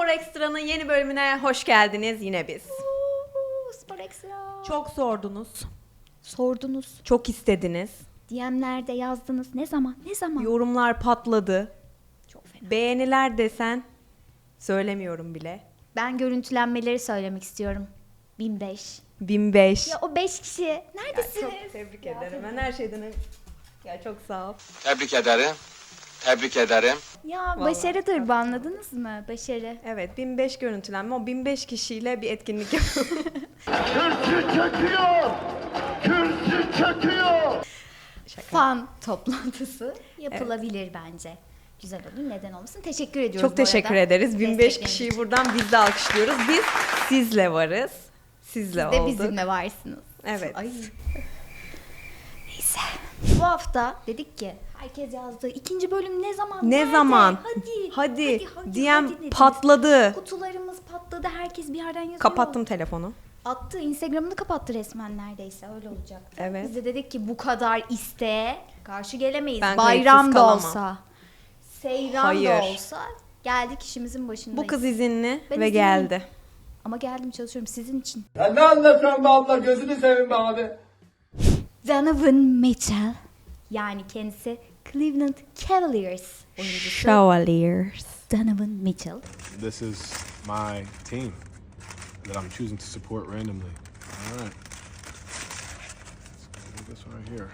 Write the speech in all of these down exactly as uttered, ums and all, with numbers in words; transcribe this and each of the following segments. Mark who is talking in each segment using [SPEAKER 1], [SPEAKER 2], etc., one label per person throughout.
[SPEAKER 1] Spor Ekstra'nın yeni bölümüne hoş geldiniz yine biz.
[SPEAKER 2] Uuu, Spor Ekstra.
[SPEAKER 1] Çok sordunuz,
[SPEAKER 2] Sordunuz.
[SPEAKER 1] çok istediniz.
[SPEAKER 2] D M'lerde yazdınız. Ne zaman? Ne zaman?
[SPEAKER 1] Yorumlar patladı.
[SPEAKER 2] Çok fena.
[SPEAKER 1] Beğeniler desen söylemiyorum bile.
[SPEAKER 2] Ben görüntülenmeleri söylemek istiyorum. bin beş.
[SPEAKER 1] bin beş.
[SPEAKER 2] Ya o beş kişi neredesiniz?
[SPEAKER 1] Çok tebrik ederim. Ben her şeyden önce... Ya çok sağ ol.
[SPEAKER 3] Tebrik ederim. Tebrik ederim.
[SPEAKER 2] Ya
[SPEAKER 1] Vallahi.
[SPEAKER 2] başarıdır bu, anladınız mı? Başarı.
[SPEAKER 1] Evet, bin beş görüntülenme. O bin beş kişiyle bir etkinlik yapalım.
[SPEAKER 4] Kürsü çöküyor! Kürsü çöküyor!
[SPEAKER 2] Fan toplantısı yapılabilir bence. Güzel olur. Neden olmasın? Teşekkür ediyoruz
[SPEAKER 1] Çok
[SPEAKER 2] bu
[SPEAKER 1] teşekkür
[SPEAKER 2] arada.
[SPEAKER 1] ederiz. bin beş
[SPEAKER 2] Destekleriniz
[SPEAKER 1] kişiyi
[SPEAKER 2] için.
[SPEAKER 1] buradan biz de alkışlıyoruz. Biz sizle varız. Sizle
[SPEAKER 2] Siz de
[SPEAKER 1] olduk.
[SPEAKER 2] bizimle varsınız.
[SPEAKER 1] Evet.
[SPEAKER 2] Ay. Neyse. Bu hafta dedik ki herkes yazdı. İkinci bölüm ne zaman?
[SPEAKER 1] Ne
[SPEAKER 2] Nerede?
[SPEAKER 1] Hadi,
[SPEAKER 2] Hadi.
[SPEAKER 1] hadi,
[SPEAKER 2] hadi,
[SPEAKER 1] D M
[SPEAKER 2] hadi dediniz.
[SPEAKER 1] patladı.
[SPEAKER 2] Kutularımız patladı. Herkes bir yerden yazıyor.
[SPEAKER 1] Kapattım telefonu.
[SPEAKER 2] Attı. Instagram'ını kapattı resmen neredeyse. Öyle olacaktı.
[SPEAKER 1] Evet.
[SPEAKER 2] Biz de dedik ki bu kadar isteğe karşı gelemeyiz.
[SPEAKER 1] Ben
[SPEAKER 2] Bayram
[SPEAKER 1] kayıtsız
[SPEAKER 2] da
[SPEAKER 1] kalamam.
[SPEAKER 2] olsa. Seyran
[SPEAKER 1] Hayır.
[SPEAKER 2] da olsa geldik işimizin başındayız.
[SPEAKER 1] Bu kız izinli
[SPEAKER 2] Ben
[SPEAKER 1] ve
[SPEAKER 2] izinliyim.
[SPEAKER 1] geldi.
[SPEAKER 2] Ama geldim, çalışıyorum sizin için.
[SPEAKER 4] Ya ne anlatıyorsun be abla, gözünü seveyim be abi.
[SPEAKER 2] Donovan Mitchell, yani kendisi Cleveland Cavaliers oyuncusu.
[SPEAKER 1] Chevaliers.
[SPEAKER 2] Donovan Mitchell.
[SPEAKER 5] This is my team that I'm choosing to support randomly. All right. Let's do this right here.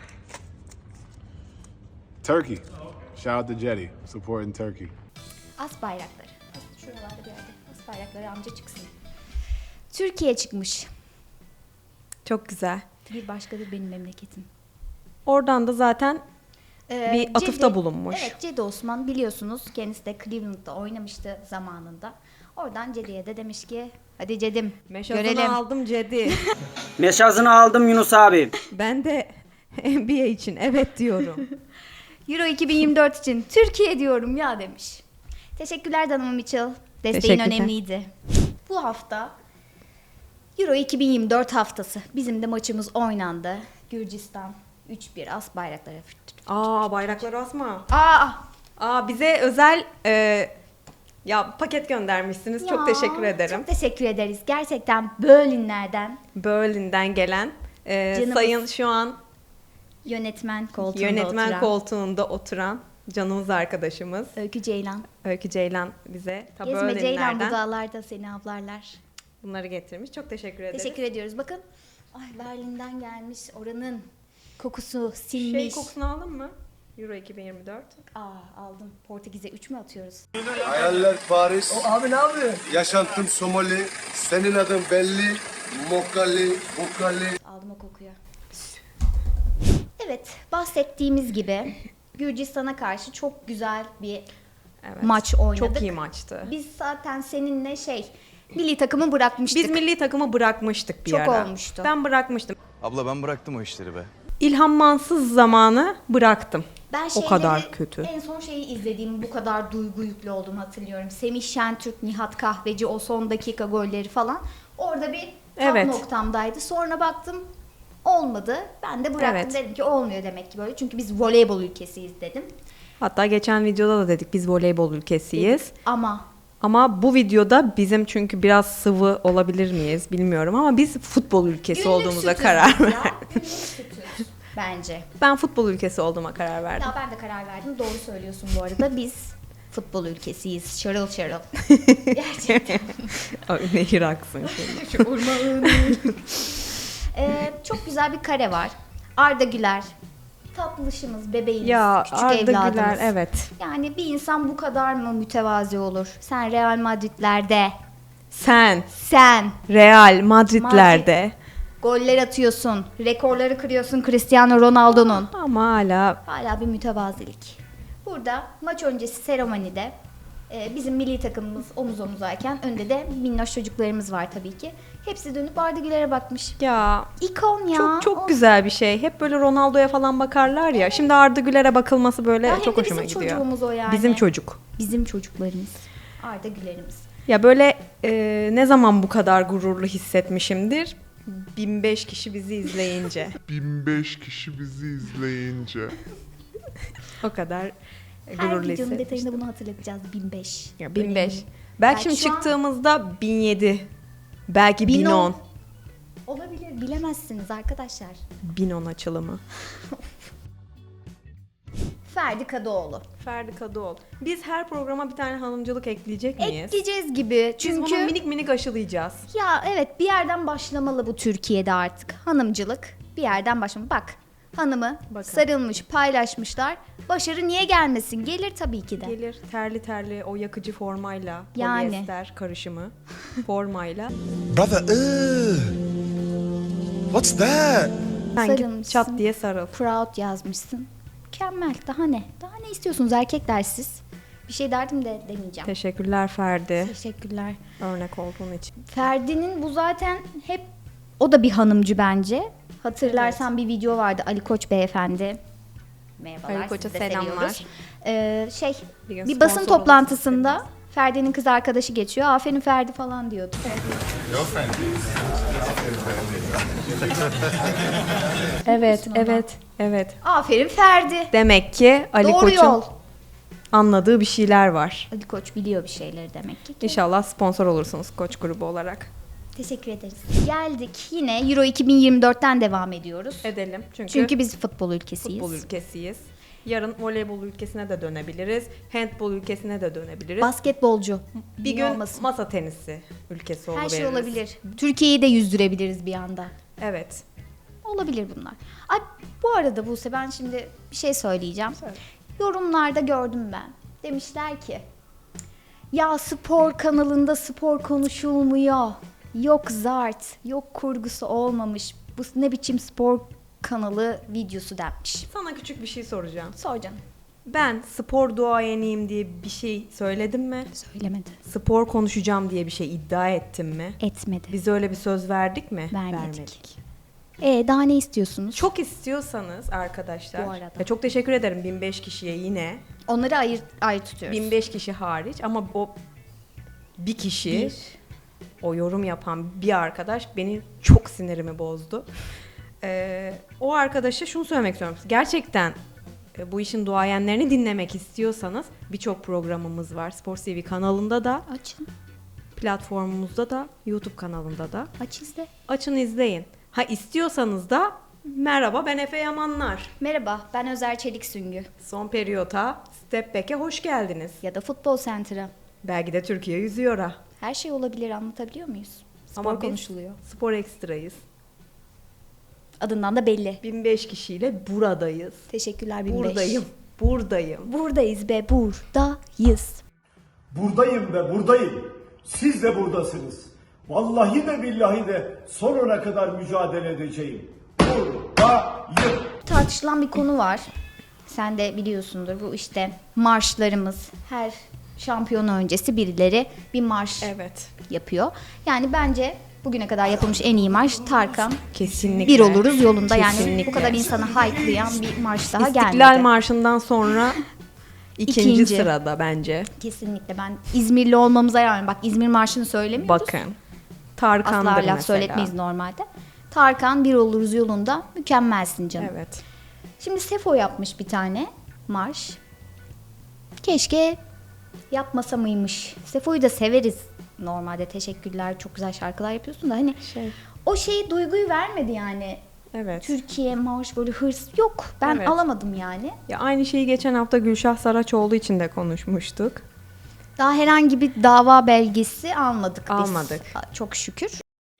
[SPEAKER 5] Turkey. Shout out to Jetty, supporting Turkey.
[SPEAKER 2] As bayrakları. As- Şuralarda bir yerde. As bayrakları amca çıksın. Türkiye çıkmış.
[SPEAKER 1] Çok güzel.
[SPEAKER 2] Bir başkadır benim memleketim.
[SPEAKER 1] Oradan da zaten
[SPEAKER 2] Ee,
[SPEAKER 1] bir atıfta
[SPEAKER 2] Cedi-
[SPEAKER 1] bulunmuş.
[SPEAKER 2] Evet, Cedi Osman biliyorsunuz. Kendisi de Cleveland'da oynamıştı zamanında. Oradan Cedi'ye de demiş ki hadi Cedim
[SPEAKER 1] Meşazını
[SPEAKER 2] görelim.
[SPEAKER 1] aldım Cedi.
[SPEAKER 6] Meşazını aldım Yunus abi.
[SPEAKER 1] Ben de N B A için evet diyorum.
[SPEAKER 2] Euro iki bin yirmi dört için Türkiye diyorum ya demiş. Teşekkürler Donovan Mitchell. Desteğin
[SPEAKER 1] Teşekkürler.
[SPEAKER 2] önemliydi. Bu hafta Euro iki bin yirmi dört haftası. Bizim de maçımız oynandı. Gürcistan üç bir as bayrakları.
[SPEAKER 1] Aa bayrakları asma.
[SPEAKER 2] Aa!
[SPEAKER 1] Aa bize özel e, ya paket göndermişsiniz. Çok
[SPEAKER 2] Ya,
[SPEAKER 1] teşekkür ederim.
[SPEAKER 2] Çok teşekkür ederiz. Gerçekten Berlinlerden
[SPEAKER 1] Berlin'den gelen e,
[SPEAKER 2] Canımız.
[SPEAKER 1] sayın şu an
[SPEAKER 2] yönetmen koltuğunda
[SPEAKER 1] yönetmen
[SPEAKER 2] oturan
[SPEAKER 1] koltuğunda oturan canımız arkadaşımız
[SPEAKER 2] Öykü Ceylan.
[SPEAKER 1] Öykü Ceylan bize ta
[SPEAKER 2] Gezme Ceylan, bu
[SPEAKER 1] Berlinlerden
[SPEAKER 2] dağlarda seni avlarlar.
[SPEAKER 1] bunları getirmiş. Çok teşekkür ederiz.
[SPEAKER 2] Teşekkür ediyoruz. Bakın. Ay, Berlin'den gelmiş. Oranın kokusu
[SPEAKER 1] Şey
[SPEAKER 2] sinmiş.
[SPEAKER 1] kokusunu aldın mı? Euro iki bin yirmi dört.
[SPEAKER 2] Aa, aldım. Portekiz'e üç mü atıyoruz?
[SPEAKER 7] Hayaller Paris,
[SPEAKER 4] O abi ne yapıyor?
[SPEAKER 7] yaşantım Somali, senin adın belli, Mokali, Bukali.
[SPEAKER 2] Aldım o kokuyu. Evet, bahsettiğimiz gibi Gürcistan'a karşı çok güzel bir
[SPEAKER 1] Evet.
[SPEAKER 2] maç oynadık.
[SPEAKER 1] Çok iyi maçtı.
[SPEAKER 2] Biz zaten seninle şey, milli takımı bırakmıştık.
[SPEAKER 1] Biz milli takımı bırakmıştık bir
[SPEAKER 2] Çok
[SPEAKER 1] ara.
[SPEAKER 2] olmuştu.
[SPEAKER 1] Ben bırakmıştım.
[SPEAKER 3] Abla ben bıraktım o işleri be.
[SPEAKER 1] İlhan Mansız zamanı bıraktım.
[SPEAKER 2] Ben
[SPEAKER 1] o
[SPEAKER 2] şeyleri,
[SPEAKER 1] kadar kötü.
[SPEAKER 2] En son şeyi izlediğim bu kadar duygu yüklü olduğumu hatırlıyorum. Semih Şentürk, Nihat Kahveci, o son dakika golleri falan. Orada bir tam
[SPEAKER 1] Evet.
[SPEAKER 2] noktamdaydı. Sonra baktım olmadı. Ben de bıraktım.
[SPEAKER 1] Evet.
[SPEAKER 2] Dedim ki olmuyor demek ki böyle. Çünkü biz voleybol ülkesiyiz dedim.
[SPEAKER 1] Hatta geçen videoda da dedik biz voleybol ülkesiyiz.
[SPEAKER 2] Ama
[SPEAKER 1] Ama bu videoda bizim çünkü biraz sıvı olabilir miyiz bilmiyorum ama biz futbol ülkesi
[SPEAKER 2] günlük
[SPEAKER 1] olduğumuza
[SPEAKER 2] sütüz
[SPEAKER 1] karar
[SPEAKER 2] biz ya.
[SPEAKER 1] verdim.
[SPEAKER 2] Günlük sütüz bence.
[SPEAKER 1] Ben futbol ülkesi olduğuma karar verdim.
[SPEAKER 2] Ya ben de karar verdim. Doğru söylüyorsun bu arada. Biz futbol ülkesiyiz. Şarıl şarıl. Gerçekten.
[SPEAKER 1] Ay, nehir aksın şimdi.
[SPEAKER 2] Ee, çok güzel bir kare var. Arda Güler. Tatlışımız, bebeğimiz,
[SPEAKER 1] Ya
[SPEAKER 2] küçük
[SPEAKER 1] Arda
[SPEAKER 2] evladımız.
[SPEAKER 1] Güler evet.
[SPEAKER 2] Yani bir insan bu kadar mı mütevazi olur? Sen Real Madrid'lerde,
[SPEAKER 1] Sen
[SPEAKER 2] sen
[SPEAKER 1] Real Madrid'lerde
[SPEAKER 2] goller atıyorsun, rekorları kırıyorsun Cristiano Ronaldo'nun.
[SPEAKER 1] ama hala
[SPEAKER 2] Hala bir mütevazilik. Burada maç öncesi seremonide e, bizim milli takımımız omuz omuzayken önde de minnoş çocuklarımız var tabii ki. Hepsi dönüp Arda Güler'e bakmış.
[SPEAKER 1] ya
[SPEAKER 2] İkon ya.
[SPEAKER 1] çok çok
[SPEAKER 2] O-
[SPEAKER 1] güzel bir şey. Hep böyle Ronaldo'ya falan bakarlar ya. Şimdi Arda Güler'e bakılması böyle
[SPEAKER 2] Ya hem
[SPEAKER 1] çok
[SPEAKER 2] de
[SPEAKER 1] hoşuma
[SPEAKER 2] bizim
[SPEAKER 1] gidiyor.
[SPEAKER 2] çocuğumuz o yani.
[SPEAKER 1] Bizim çocuk.
[SPEAKER 2] Bizim çocuklarımız. Arda Güler'imiz.
[SPEAKER 1] Ya böyle e, ne zaman bu kadar gururlu hissetmişimdir? bin beş kişi bizi izleyince.
[SPEAKER 8] bin beş kişi bizi izleyince.
[SPEAKER 1] O kadar
[SPEAKER 2] Her
[SPEAKER 1] gururlu
[SPEAKER 2] videonun
[SPEAKER 1] hissetmiştim.
[SPEAKER 2] detayında bunu hatırlatacağız. bin beş.
[SPEAKER 1] Ya bin beş.
[SPEAKER 2] Önemli.
[SPEAKER 1] Belki,
[SPEAKER 2] Belki
[SPEAKER 1] şimdi
[SPEAKER 2] şu an-
[SPEAKER 1] çıktığımızda bin yedi. Belki
[SPEAKER 2] bin
[SPEAKER 1] bin on.
[SPEAKER 2] Olabilir, bilemezsiniz arkadaşlar.
[SPEAKER 1] bin on açılımı.
[SPEAKER 2] Ferdi Kadıoğlu.
[SPEAKER 1] Ferdi Kadıoğlu. Biz her programa bir tane hanımcılık ekleyecek miyiz?
[SPEAKER 2] Ekleyeceğiz gibi.
[SPEAKER 1] Biz bunu
[SPEAKER 2] Çünkü
[SPEAKER 1] minik minik aşılayacağız.
[SPEAKER 2] ya evet bir yerden başlamalı bu Türkiye'de artık. Hanımcılık bir yerden başlamalı. Bak hanımı
[SPEAKER 1] Bakın.
[SPEAKER 2] sarılmış paylaşmışlar. Başarı niye gelmesin? Gelir tabii ki de.
[SPEAKER 1] Gelir terli terli o yakıcı formayla,
[SPEAKER 2] Yani.
[SPEAKER 1] polyester karışımı formayla.
[SPEAKER 7] Brother, ugh. What's that?
[SPEAKER 1] Sen git
[SPEAKER 2] Sarılmışsın.
[SPEAKER 1] çat diye sarıl.
[SPEAKER 2] Proud yazmışsın. Mükemmel. Daha ne? Daha ne istiyorsunuz erkekler siz? Bir şey derdim de demeyeceğim.
[SPEAKER 1] Teşekkürler Ferdi.
[SPEAKER 2] Teşekkürler.
[SPEAKER 1] Örnek olduğun için.
[SPEAKER 2] Ferdi'nin bu zaten hep o da bir hanımcı bence. Hatırlarsan bir video vardı Ali Koç beyefendi. Merhabalar.
[SPEAKER 1] Ali Koç'a
[SPEAKER 2] sizi de
[SPEAKER 1] selamlar.
[SPEAKER 2] seviyoruz. Ee, şey
[SPEAKER 1] Bir gün
[SPEAKER 2] bir basın
[SPEAKER 1] sponsor
[SPEAKER 2] toplantısında Ferdi'nin kız arkadaşı geçiyor. Aferin Ferdi falan diyordu.
[SPEAKER 1] Evet, evet, evet.
[SPEAKER 2] Aferin Ferdi.
[SPEAKER 1] Demek ki Ali
[SPEAKER 2] Doğru
[SPEAKER 1] Koç'un
[SPEAKER 2] yol.
[SPEAKER 1] anladığı bir şeyler var.
[SPEAKER 2] Ali Koç biliyor bir şeyleri demek ki.
[SPEAKER 1] İnşallah sponsor olursunuz Koç grubu olarak.
[SPEAKER 2] Teşekkür ederiz. Geldik yine Euro iki bin yirmi dörtten devam ediyoruz.
[SPEAKER 1] Edelim. Çünkü,
[SPEAKER 2] Çünkü biz futbol ülkesiyiz.
[SPEAKER 1] futbol ülkesiyiz. Yarın voleybol ülkesine de dönebiliriz. Handbol ülkesine de dönebiliriz.
[SPEAKER 2] Basketbolcu.
[SPEAKER 1] bir
[SPEAKER 2] Niye
[SPEAKER 1] gün
[SPEAKER 2] olmasın?
[SPEAKER 1] masa tenisi ülkesi
[SPEAKER 2] Her
[SPEAKER 1] oluveririz.
[SPEAKER 2] şey olabilir. Türkiye'yi de yüzdürebiliriz bir anda.
[SPEAKER 1] Evet.
[SPEAKER 2] Olabilir bunlar. Ay, bu arada Buse ben şimdi bir şey söyleyeceğim.
[SPEAKER 1] Söyle.
[SPEAKER 2] Yorumlarda gördüm ben. Demişler ki ya spor kanalında spor konuşulmuyor. Yok zart, yok kurgusu olmamış. Bu ne biçim spor kanalı videosu denmiş.
[SPEAKER 1] Sana küçük bir şey soracağım.
[SPEAKER 2] Sor canım.
[SPEAKER 1] Ben spor duayeniyim diye bir şey söyledim mi?
[SPEAKER 2] Söylemedi.
[SPEAKER 1] Spor konuşacağım diye bir şey iddia ettim mi?
[SPEAKER 2] Etmedi.
[SPEAKER 1] Biz öyle bir söz verdik mi?
[SPEAKER 2] Vermedik. E daha ne istiyorsunuz?
[SPEAKER 1] Çok istiyorsanız arkadaşlar.
[SPEAKER 2] Bu arada.
[SPEAKER 1] Ya çok teşekkür ederim bin beş kişiye yine.
[SPEAKER 2] Onları ayır, ayrı tutuyoruz.
[SPEAKER 1] bin beş kişi hariç ama o bir kişi
[SPEAKER 2] Bir.
[SPEAKER 1] o yorum yapan bir arkadaş beni çok sinirimi bozdu. Ee, o arkadaşa şunu söylemek istiyorum. Gerçekten e, bu işin duayenlerini dinlemek istiyorsanız birçok programımız var. Spor T V kanalında da,
[SPEAKER 2] Açın.
[SPEAKER 1] platformumuzda da, YouTube kanalında da.
[SPEAKER 2] Aç izle.
[SPEAKER 1] Açın izleyin. Ha istiyorsanız da merhaba ben Efe Yamanlar.
[SPEAKER 2] Merhaba ben Özer Çelik Süngü.
[SPEAKER 1] Son periyota Step Back'e hoş geldiniz.
[SPEAKER 2] Ya da Futbol Center'a.
[SPEAKER 1] Belki de Türkiye yüzüyor'a.
[SPEAKER 2] Her şey olabilir anlatabiliyor muyuz? Spor
[SPEAKER 1] Ama biz
[SPEAKER 2] konuşuluyor.
[SPEAKER 1] Spor Ekstra'yız.
[SPEAKER 2] Adından da belli.
[SPEAKER 1] bin beş kişiyle buradayız.
[SPEAKER 2] Teşekkürler bin beş.
[SPEAKER 1] Buradayım. Buradayım.
[SPEAKER 2] Buradayız be buradayız.
[SPEAKER 4] Buradayım ve buradayım. Siz de buradasınız. Vallahi de billahi de sonuna kadar mücadele edeceğim. Buradayım.
[SPEAKER 2] Tartışılan bir konu var. Sen de biliyorsundur bu işte marşlarımız. Her şampiyon öncesi birileri bir marş
[SPEAKER 1] Evet.
[SPEAKER 2] yapıyor. Yani bence bugüne kadar yapılmış en iyi marş Tarkan.
[SPEAKER 1] Kesinlikle.
[SPEAKER 2] Bir oluruz yolunda yani
[SPEAKER 1] Kesinlikle.
[SPEAKER 2] bu kadar insanı haykılayan bir marş daha
[SPEAKER 1] İstiklal
[SPEAKER 2] gelmedi.
[SPEAKER 1] Marşı'ndan sonra ikinci,
[SPEAKER 2] İkinci.
[SPEAKER 1] sırada bence.
[SPEAKER 2] Kesinlikle ben İzmirli olmamıza rağmen bak İzmir marşını söylemiyoruz.
[SPEAKER 1] Bakın. Tarkan'dır
[SPEAKER 2] Asla laf
[SPEAKER 1] mesela.
[SPEAKER 2] söyletmeyiz normalde. Tarkan bir oluruz yolunda mükemmelsin canım.
[SPEAKER 1] Evet.
[SPEAKER 2] Şimdi Sefo yapmış bir tane marş. Keşke yapmasa mıymış. Sefo'yu da severiz normalde. Teşekkürler çok güzel şarkılar yapıyorsun da hani
[SPEAKER 1] Şey.
[SPEAKER 2] o şeyi duyguyu vermedi yani.
[SPEAKER 1] Evet.
[SPEAKER 2] Türkiye marş böyle hırs yok. Ben
[SPEAKER 1] Evet.
[SPEAKER 2] alamadım yani.
[SPEAKER 1] Ya aynı şeyi geçen hafta Gülşah Saraçoğlu için de konuşmuştuk.
[SPEAKER 2] Daha herhangi bir dava belgesi almadık biz.
[SPEAKER 1] Almadık.
[SPEAKER 2] Çok şükür.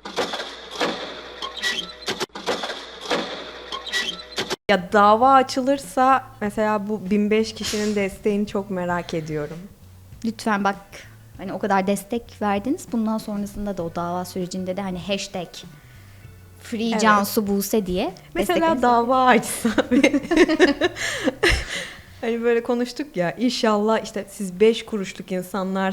[SPEAKER 1] Ya dava açılırsa mesela bu bin beş kişinin desteğini çok merak ediyorum.
[SPEAKER 2] Lütfen bak hani o kadar destek verdiniz. Bundan sonrasında da o dava sürecinde de hani hashtag Free
[SPEAKER 1] Evet.
[SPEAKER 2] Cansu Buse diye
[SPEAKER 1] Mesela
[SPEAKER 2] desteklerinizi-
[SPEAKER 1] dava açsa hani böyle konuştuk ya inşallah işte siz beş kuruşluk insanlar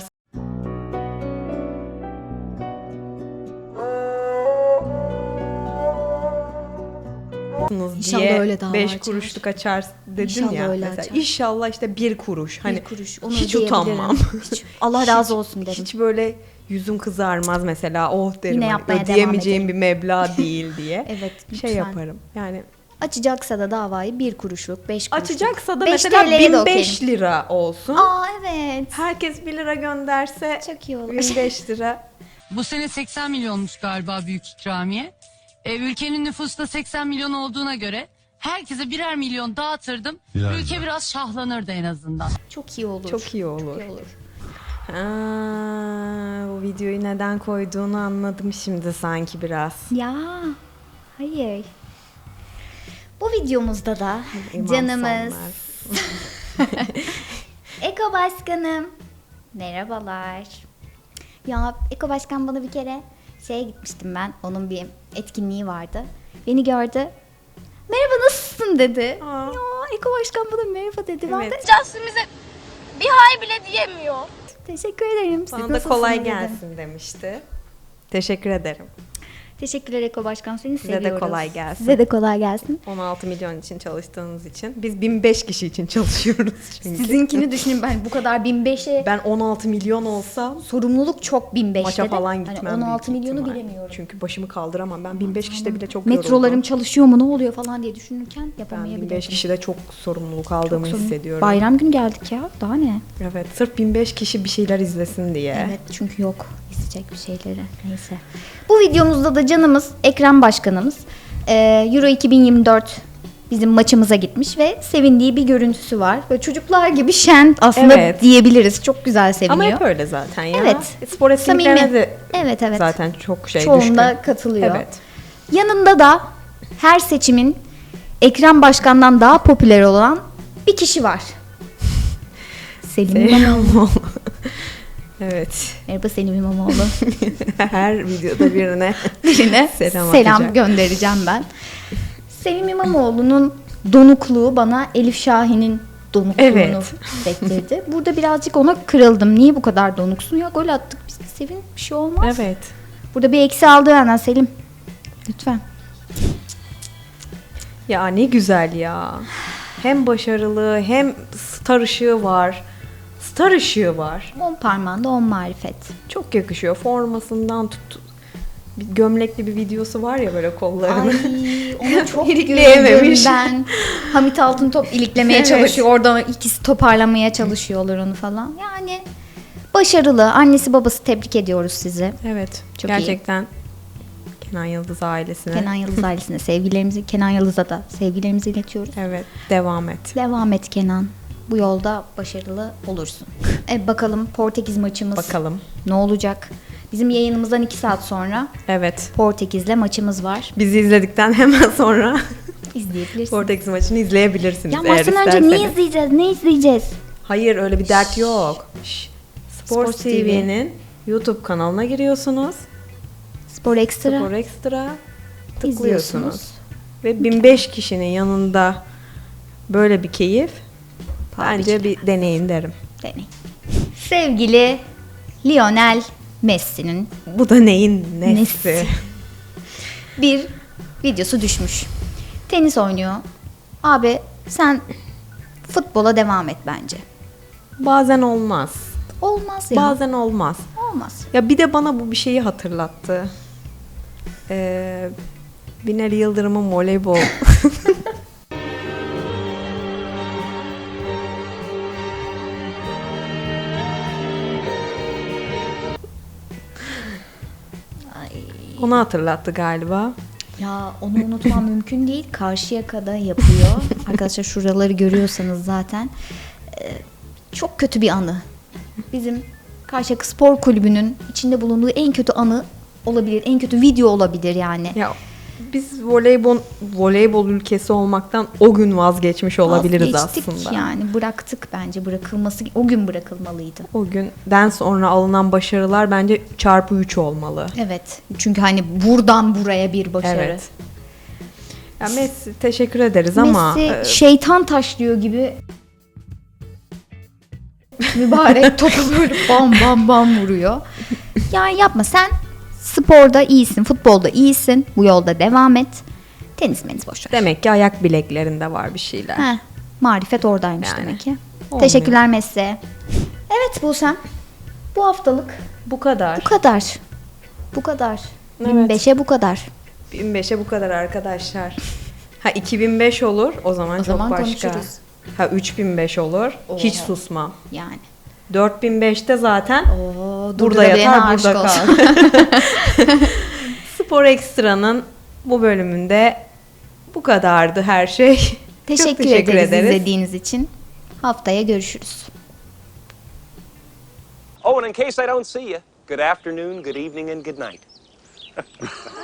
[SPEAKER 2] İnşallah
[SPEAKER 1] diye
[SPEAKER 2] öyle dava
[SPEAKER 1] beş
[SPEAKER 2] açar.
[SPEAKER 1] kuruşluk açar dedin
[SPEAKER 2] İnşallah
[SPEAKER 1] ya
[SPEAKER 2] öyle
[SPEAKER 1] mesela.
[SPEAKER 2] açar.
[SPEAKER 1] İnşallah işte bir kuruş. Hani
[SPEAKER 2] Bir kuruş. Onu
[SPEAKER 1] hiç
[SPEAKER 2] ödeyebilirim.
[SPEAKER 1] utanmam.
[SPEAKER 2] Hiç- Allah razı olsun derim.
[SPEAKER 1] Hiç böyle yüzüm kızarmaz mesela. Oh derim
[SPEAKER 2] Yine
[SPEAKER 1] hani
[SPEAKER 2] yapmaya devam
[SPEAKER 1] ödeyemeyeceğim bir meblağ değil diye.
[SPEAKER 2] Evet,
[SPEAKER 1] Şey
[SPEAKER 2] lütfen.
[SPEAKER 1] yaparım. Yani
[SPEAKER 2] Açacaksa da davayı bir kuruşluk, beş kuruşluk.
[SPEAKER 1] Açacaksa da
[SPEAKER 2] beş
[SPEAKER 1] mesela
[SPEAKER 2] T L'ye de
[SPEAKER 1] bin
[SPEAKER 2] okeyim.
[SPEAKER 1] beş lira olsun.
[SPEAKER 2] Aa evet.
[SPEAKER 1] Herkes bir lira gönderse
[SPEAKER 2] Çok iyi olur.
[SPEAKER 1] bin beş lira.
[SPEAKER 8] Bu sene seksen milyonmuş galiba büyük ikramiye. E, ülkenin nüfusu da seksen milyon olduğuna göre herkese birer milyon dağıtırdım. Ülke biraz şahlanırdı en azından.
[SPEAKER 2] Çok iyi olur.
[SPEAKER 1] Çok iyi olur.
[SPEAKER 2] Çok iyi olur.
[SPEAKER 1] Ha, bu videoyu neden koyduğunu anladım şimdi sanki biraz.
[SPEAKER 2] Ya hayır. Bu videomuzda da
[SPEAKER 1] İmam
[SPEAKER 2] canımız
[SPEAKER 1] Sonlar.
[SPEAKER 2] Eko Başkanım. Merhabalar. Ya Eko Başkan bana bir kere şeye gitmiştim ben. Onun bir etkinliği vardı. Beni gördü. Merhaba nasılsın dedi.
[SPEAKER 1] Aa.
[SPEAKER 2] Ya Eko Başkan bana merhaba dedi. Ben de
[SPEAKER 1] Evet.
[SPEAKER 9] Justin bize bir hay bile diyemiyor.
[SPEAKER 2] teşekkür ederim. Siz
[SPEAKER 1] Bana da
[SPEAKER 2] nasılsınız
[SPEAKER 1] kolay
[SPEAKER 2] dedim.
[SPEAKER 1] gelsin demişti. Teşekkür ederim.
[SPEAKER 2] Teşekkürler Eko Başkan. Seni
[SPEAKER 1] Size de
[SPEAKER 2] seviyoruz.
[SPEAKER 1] kolay gelsin.
[SPEAKER 2] Size de kolay gelsin.
[SPEAKER 1] on altı milyon için çalıştığınız için. Biz bin beş kişi için çalışıyoruz çünkü.
[SPEAKER 2] Sizinkini düşünün ben bu kadar bin beşe
[SPEAKER 1] Ben on altı milyon olsam
[SPEAKER 2] sorumluluk çok bin beşte
[SPEAKER 1] maça
[SPEAKER 2] de.
[SPEAKER 1] falan gitmem.
[SPEAKER 2] Hani on altı
[SPEAKER 1] büyük
[SPEAKER 2] milyonu
[SPEAKER 1] ihtimal.
[SPEAKER 2] bilemiyorum.
[SPEAKER 1] Çünkü başımı kaldıramam. Ben bin beş kişide bile çok
[SPEAKER 2] Metrolarım
[SPEAKER 1] yoruldum.
[SPEAKER 2] çalışıyor mu ne oluyor falan diye düşünürken
[SPEAKER 1] Ben
[SPEAKER 2] yapamayabilirim.
[SPEAKER 1] bin beş kişide çok sorumluluk aldığımı
[SPEAKER 2] Sorun-
[SPEAKER 1] hissediyorum.
[SPEAKER 2] Bayram günü geldik ya. Daha ne?
[SPEAKER 1] Evet, sırf bin beş kişi bir şeyler izlesin diye.
[SPEAKER 2] Evet çünkü yok izleyecek bir şeyleri. Neyse. Bu videomuzda da canımız Ekrem Başkanımız e, Euro iki bin yirmi dört bizim maçımıza gitmiş ve sevindiği bir görüntüsü var. Böyle çocuklar gibi şen aslında
[SPEAKER 1] Evet.
[SPEAKER 2] diyebiliriz. Çok güzel seviniyor.
[SPEAKER 1] Ama hep öyle zaten ya.
[SPEAKER 2] Evet.
[SPEAKER 1] E, Spor etkinliklerine
[SPEAKER 2] Samimi.
[SPEAKER 1] de
[SPEAKER 2] Evet evet.
[SPEAKER 1] zaten çok şey
[SPEAKER 2] Çoğunda
[SPEAKER 1] düşkün.
[SPEAKER 2] katılıyor.
[SPEAKER 1] Evet.
[SPEAKER 2] Yanında da her seçimin Ekrem Başkan'dan daha popüler olan bir kişi var. Selim İmamoğlu.
[SPEAKER 1] Evet.
[SPEAKER 2] Merhaba Selim İmamoğlu.
[SPEAKER 1] Her videoda birine
[SPEAKER 2] Birine
[SPEAKER 1] selam,
[SPEAKER 2] selam,
[SPEAKER 1] atacak.
[SPEAKER 2] göndereceğim ben. Selim İmamoğlu'nun donukluğu bana Elif Şahin'in donukluğunu
[SPEAKER 1] Evet.
[SPEAKER 2] hissettirdi. Burada birazcık ona kırıldım. Niye bu kadar donuksun? Ya gol attık biz de sevin bir şey olmaz.
[SPEAKER 1] Evet.
[SPEAKER 2] Burada bir eksi aldı benden Selim. Lütfen.
[SPEAKER 1] Ya ne güzel ya. Hem başarılı hem star ışığı var. Star ışığı var.
[SPEAKER 2] On parmağında on marifet.
[SPEAKER 1] Çok yakışıyor. Formasından tut. Bir gömlekli bir videosu var ya böyle kollarını.
[SPEAKER 2] Ay onu çok
[SPEAKER 1] İlikleyememiş.
[SPEAKER 2] gördüm ben. Hamit Altıntop iliklemeye
[SPEAKER 1] Evet.
[SPEAKER 2] çalışıyor. Orada ikisi toparlamaya çalışıyorlar onu falan. Yani başarılı. Annesi babası tebrik ediyoruz sizi.
[SPEAKER 1] Evet.
[SPEAKER 2] Çok
[SPEAKER 1] gerçekten Kenan Yıldız ailesine.
[SPEAKER 2] Kenan Yıldız ailesine sevgilerimizi, Kenan Yıldız'a da sevgilerimizi iletiyoruz.
[SPEAKER 1] Evet. Devam et.
[SPEAKER 2] Devam et Kenan. Bu yolda başarılı olursun. E bakalım Portekiz maçımız
[SPEAKER 1] Bakalım.
[SPEAKER 2] ne olacak? Bizim yayınımızdan iki saat sonra
[SPEAKER 1] Evet.
[SPEAKER 2] Portekiz'le maçımız var.
[SPEAKER 1] Bizi izledikten hemen sonra
[SPEAKER 2] İzleyebilirsiniz.
[SPEAKER 1] Portekiz maçını izleyebilirsiniz.
[SPEAKER 2] Ya
[SPEAKER 1] eğer
[SPEAKER 2] maçtan önce
[SPEAKER 1] isterseniz.
[SPEAKER 2] ne izleyeceğiz? Ne izleyeceğiz?
[SPEAKER 1] Hayır öyle bir dert yok. Şş, Spor
[SPEAKER 2] Spor
[SPEAKER 1] T V'nin YouTube kanalına giriyorsunuz.
[SPEAKER 2] Spor Ekstra
[SPEAKER 1] Spor Ekstra
[SPEAKER 2] izliyorsunuz.
[SPEAKER 1] tıklıyorsunuz. Ve bin beş kişinin yanında böyle bir keyif bence bir deneyin derim.
[SPEAKER 2] Deneyin. Sevgili Lionel Messi'nin
[SPEAKER 1] Bu da neyin nesi?
[SPEAKER 2] Nesi? bir videosu düşmüş. Tenis oynuyor. Abi sen futbola devam et bence.
[SPEAKER 1] Bazen olmaz.
[SPEAKER 2] Olmaz ya.
[SPEAKER 1] Bazen olmaz.
[SPEAKER 2] Olmaz.
[SPEAKER 1] Ya bir de bana bu bir şeyi hatırlattı. Ee, Binali Yıldırım'ın voleybol. Onu hatırlattı galiba.
[SPEAKER 2] Ya onu unutmam mümkün değil. Karşıyaka'da yapıyor. Arkadaşlar şuraları görüyorsanız zaten. Ee, çok kötü bir anı. Bizim Karşıyaka Spor Kulübü'nün içinde bulunduğu en kötü anı olabilir. En kötü video olabilir yani.
[SPEAKER 1] Ya biz voleybol voleybol ülkesi olmaktan o gün vazgeçmiş olabiliriz
[SPEAKER 2] Vazgeçtik
[SPEAKER 1] aslında.
[SPEAKER 2] yani bıraktık bence bırakılması o gün bırakılmalıydı.
[SPEAKER 1] O günden sonra alınan başarılar bence çarpı üç olmalı.
[SPEAKER 2] Evet çünkü hani buradan buraya bir başarı.
[SPEAKER 1] Evet. Ya Messi teşekkür ederiz ama
[SPEAKER 2] Messi
[SPEAKER 1] e,
[SPEAKER 2] şeytan taşlıyor gibi mübarek topu böyle bam bam bam vuruyor. Yani yapma sen sporda iyisin, futbolda iyisin. Bu yolda devam et. Tenis menis boş ver.
[SPEAKER 1] demek ki ayak bileklerinde var bir şeyler.
[SPEAKER 2] Heh, marifet oradaymış
[SPEAKER 1] Yani.
[SPEAKER 2] demek ki.
[SPEAKER 1] Olmuyor.
[SPEAKER 2] Teşekkürler Messi. Evet Buse'm. Bu haftalık
[SPEAKER 1] Bu kadar.
[SPEAKER 2] bu kadar. Bu kadar.
[SPEAKER 1] Evet.
[SPEAKER 2] bin beşe bu kadar.
[SPEAKER 1] bin beşe bu kadar arkadaşlar. Ha iki bin beş olur. O zaman
[SPEAKER 2] O
[SPEAKER 1] çok
[SPEAKER 2] zaman
[SPEAKER 1] başka.
[SPEAKER 2] konuşuruz.
[SPEAKER 1] Ha üç bin beş olur. Hiç
[SPEAKER 2] Oha.
[SPEAKER 1] susmam.
[SPEAKER 2] Yani.
[SPEAKER 1] dört bin beşte zaten
[SPEAKER 2] Oo,
[SPEAKER 1] burada
[SPEAKER 2] durdurabilene
[SPEAKER 1] yatar,
[SPEAKER 2] aşık
[SPEAKER 1] burada
[SPEAKER 2] olsun.
[SPEAKER 1] kal. Spor Ekstra'nın bu bölümünde bu kadardı her şey.
[SPEAKER 2] Teşekkür,
[SPEAKER 1] Çok teşekkür
[SPEAKER 2] ederiz,
[SPEAKER 1] ederiz.
[SPEAKER 2] izlediğiniz için. Haftaya görüşürüz.
[SPEAKER 10] Oh, and in case I don't see you, good afternoon, good evening, and good night.